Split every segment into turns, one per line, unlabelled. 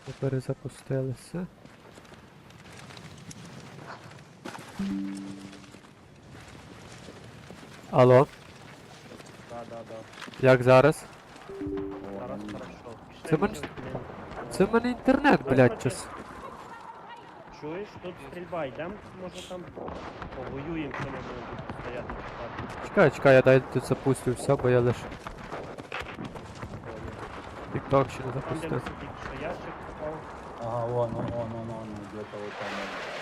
Ми перезапустилися. Алло,
Да.
як зараз?
Зараз хорошо. Пішли,
Це мене-
може, блін.
Це в мене інтернет, блядь, час.
Чуєш, тут стрільба, йдем, може там повоюємо, що ми будемо тут стояти чекати.
Чекай, я дай тут запустю все, бо я лише TikTok ще не
Там де
запустив.
ми сидіть, що ящик впав.
Ага, вон, где-то вот там.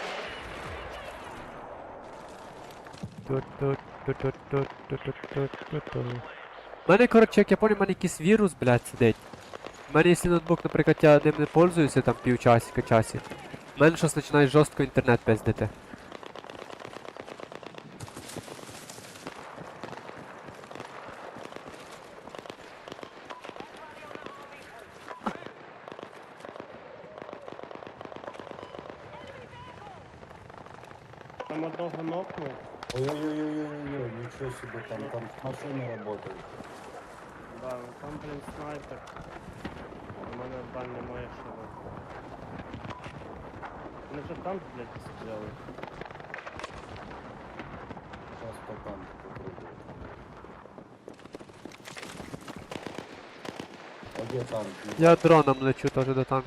У мене, коротше, як я понял, в мене якийсь вірус, блядь, сидить. У мене, якщо ноутбук, наприклад, я ним не пользуюся там півчасика часі, в мене щось починає жорстко інтернет пиздити.
Там одного нокнув.
Ой-ой-ой-ой-ой, ничего себе, там машины работают.
Да, ну там, блін, снайпер. У мене бань немає що робити. Вони вже танк, блядь, стріляли.
Сейчас по танку попробую. А где танк?
Я дроном лечу теж до танку.